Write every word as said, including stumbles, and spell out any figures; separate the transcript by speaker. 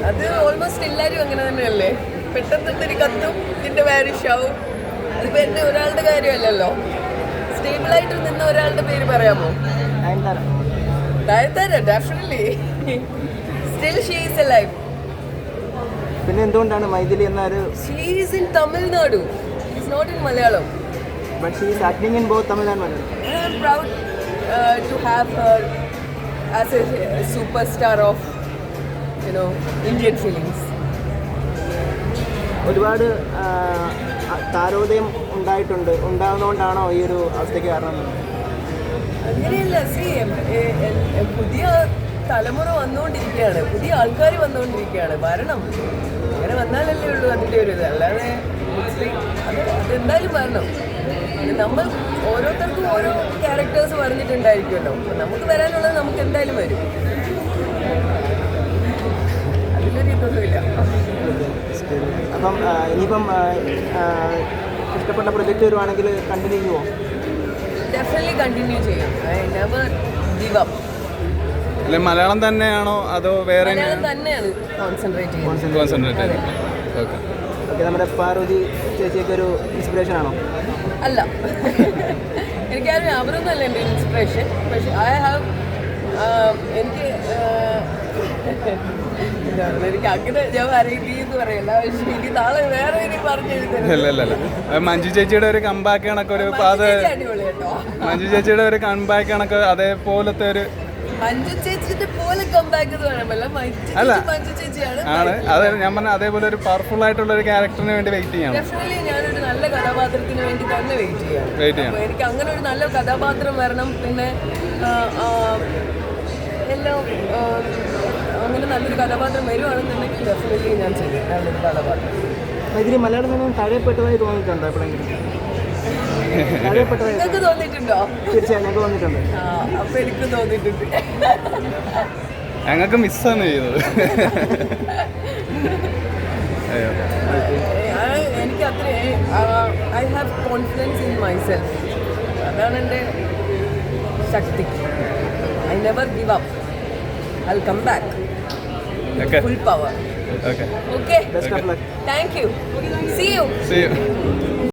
Speaker 1: അത് ഓൾമോസ്റ്റ് എല്ലാവരും അങ്ങനെ തന്നെയല്ലേ. പെട്ടെന്ന് ഇത്തിരി കത്തും, ഇതിൻ്റെ വാരിഷ് ആവും. അതിപ്പോൾ എൻ്റെ ഒരാളുടെ കാര്യമല്ലല്ലോ. സ്റ്റേബിളായിട്ട് നിന്ന ഒരാളുടെ പേര് പറയാമോ? Nayanthara definitely still she is alive.
Speaker 2: പിന്നെ എന്തുകൊണ്ടാണ് മൈഥിലി എന്ന ഒരു
Speaker 1: she is in Tamil Nadu, is not in Malayalam.
Speaker 2: But she is acting in both Tamil and Malayalam.
Speaker 1: I am proud uh, to have her as a superstar of, you know, Indian films.
Speaker 2: ഒരുപാട് താരോദയം ഉണ്ടായിട്ടുണ്ട്. ഉണ്ടാകുന്നതുകൊണ്ടാണോ ഈ ഒരു അവസ്ഥയ്ക്ക് കാരണം?
Speaker 1: അങ്ങനെയല്ല. സി പുതിയ തലമുറ വന്നുകൊണ്ടിരിക്കുകയാണ്, പുതിയ ആൾക്കാർ വന്നുകൊണ്ടിരിക്കുകയാണ്. വരണം, അങ്ങനെ വന്നാലല്ലേ ഉള്ളൂ അതിൻ്റെ ഒരു ഇത്. അല്ലാതെ അത് അതെന്തായാലും വരണം. നമ്മൾ ഓരോരുത്തർക്കും ഓരോ ക്യാരക്ടേഴ്സ് പറഞ്ഞിട്ടുണ്ടായിരിക്കുമല്ലോ. നമുക്ക് വരാനുള്ളത് നമുക്ക് എന്തായാലും വരും. അതിലൊരു ഇതൊന്നുമില്ല.
Speaker 2: അപ്പം ഇനിയിപ്പം ഇഷ്ടപ്പെട്ട പ്രൊജക്റ്റ് വരുവാണെങ്കിൽ കണ്ടിന്യൂ ചെയ്യുമോ?
Speaker 1: ഡെഫിനറ്റ്ലി കണ്ടിന്യൂ ചെയ്യും. I never give up.
Speaker 3: അല്ലെ മലയാളം തന്നെയാണോ അതോ വേറെ?
Speaker 1: മലയാളം തന്നെയാണ് കോൺസെൻട്രേറ്റ് ചെയ്യുന്നത്.
Speaker 3: Concentrate okay
Speaker 2: okay. നമ്മുടെ പാർവതി ചേച്ചിയൊക്കെ ഒരു ഇൻസ്പിറേഷൻ ആണോ?
Speaker 1: അല്ല, എനിക്കറിയാം അവരൊന്നും അല്ല എൻ്റെ ഇൻസ്പിറേഷൻ. പക്ഷെ ഐ ഹാവ് എനിക്ക് എനിക്ക് അങ്ങനെ ഞാൻ അറിയില്ലെന്ന് പറയല്ല. പക്ഷെ എനിക്ക് നാളെ വേറെ ഇനി പറഞ്ഞു
Speaker 3: മഞ്ജു ചേച്ചിയുടെ ഒരു കമ്പാക്ക് കണക്ക് ഒരു
Speaker 1: അടിപൊളി കേട്ടോ.
Speaker 3: മഞ്ജു ചേച്ചിയുടെ ഒരു കമ്പാക്ക് കണക്ക് അതേപോലത്തെ ഒരു
Speaker 1: മഞ്ജു ചേച്ചിന്റെ പോലെ കമ്പാക്ക് എന്ന് പറയാമല്ല. മഞ്ജു ചേച്ചിയാണ്
Speaker 3: ആണ്. അതെ ഞാൻ പറഞ്ഞ അതേപോലെ ഒരു പവർഫുൾ ആയിട്ടുള്ള ഒരു ക്യാരക്ടറിന് വേണ്ടി വെയിറ്റ് ചെയ്യണം.
Speaker 1: ഡെഫിനറ്റ്ലി ഞാനൊരു നല്ല കഥാപാത്രത്തിന് വേണ്ടി തന്നെ വെയിറ്റ് ചെയ്യാം.
Speaker 3: വെയിറ്റ് ചെയ്യണം.
Speaker 1: എനിക്ക് അങ്ങനെ ഒരു നല്ല കഥാപാത്രം വരണം. പിന്നെ എല്ലാം അങ്ങനെ നല്ലൊരു കഥാപാത്രം വരുവാണെന്നുണ്ടെങ്കിൽ ഡെഫിനറ്റ്ലി ഞാൻ ചെയ്യും നല്ലൊരു കഥാപാത്രം.
Speaker 2: ഇതിൽ മലയാളത്തിൽ നിന്നും താഴെപ്പെട്ടതായി തോന്നിയിട്ടുണ്ടോ എപ്പോഴെങ്കിലും?
Speaker 1: നിങ്ങൾക്ക് തോന്നിയിട്ടുണ്ടോ?
Speaker 2: തീർച്ചയായും ഞങ്ങൾക്ക് തോന്നിയിട്ടുണ്ട്.
Speaker 1: ആ അപ്പൊ എനിക്ക് തോന്നിയിട്ടുണ്ട്.
Speaker 3: ഞങ്ങൾക്ക് മിസ്സാണ് ചെയ്തത്.
Speaker 1: എനിക്ക് അത്ര I have confidence in myself. അതാണ് എൻ്റെ ശക്തി. I never give up. I will come back full power.
Speaker 3: Okay
Speaker 1: okay.
Speaker 2: Best of luck.
Speaker 1: Thank you. See you.
Speaker 3: See you.